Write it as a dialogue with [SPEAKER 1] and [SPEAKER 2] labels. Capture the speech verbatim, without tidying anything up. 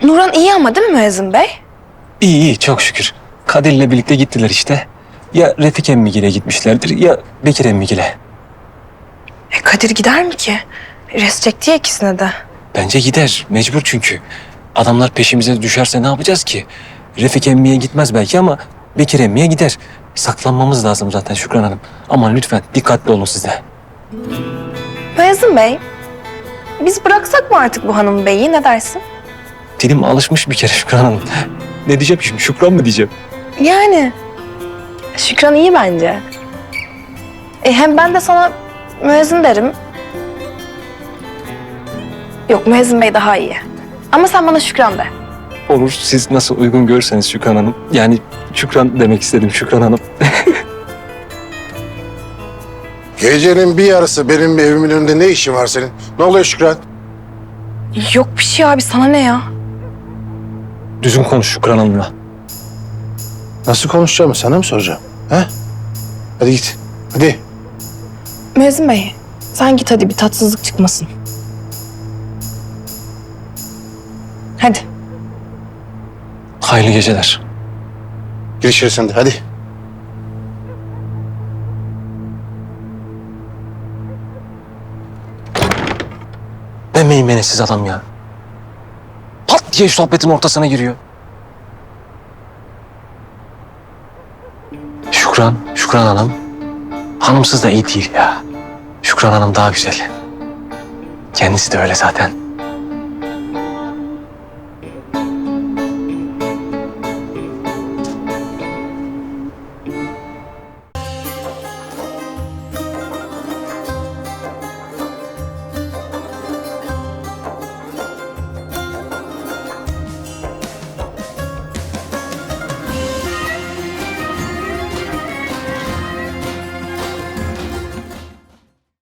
[SPEAKER 1] Nurhan iyi ama değil mi Müezzin Bey?
[SPEAKER 2] İyi iyi çok şükür. Kadir'le birlikte gittiler işte. Ya Refik emmigile gitmişlerdir ya Bekir emmigile.
[SPEAKER 1] E Kadir gider mi ki? Res çekti ya ikisine de.
[SPEAKER 2] Bence gider. Mecbur çünkü. Adamlar peşimize düşerse ne yapacağız ki? Refik emmiye gitmez belki ama Bekir emmiye gider. Saklanmamız lazım zaten Şükran Hanım. Aman lütfen dikkatli olun siz de.
[SPEAKER 1] Müezzin Bey, biz bıraksak mı artık bu hanım beyi, ne dersin?
[SPEAKER 2] Dilim alışmış bir kere Şükran Hanım. Ne diyeceğim şimdi? Şükran mı diyeceğim?
[SPEAKER 1] Yani Şükran iyi bence. E hem ben de sana müezzin derim. Yok, Müezzin Bey daha iyi. Ama sen bana Şükran de.
[SPEAKER 2] Olur. Siz nasıl uygun görürseniz Şükran Hanım. Yani Şükran demek istedim Şükran Hanım.
[SPEAKER 3] Gecenin bir yarısı benim evimin önünde ne işin var senin? Ne oluyor Şükran?
[SPEAKER 1] Yok bir şey abi, sana ne ya?
[SPEAKER 2] Düzgün konuş Şükran Hanım'la.
[SPEAKER 3] Nasıl konuşacağımı sana mı soracağım? He? Hadi git. Hadi.
[SPEAKER 1] Müezzin Bey, sen git hadi, bir tatsızlık çıkmasın. Hadi.
[SPEAKER 2] Hayırlı geceler.
[SPEAKER 3] Gir içeri sen de hadi.
[SPEAKER 2] Ne meymenetsiz adam ya. Pat diye sohbetin ortasına giriyor. Şükran, Şükran Hanım. Hanımsız da iyi değil ya. Şükran Hanım daha güzel. Kendisi de öyle zaten.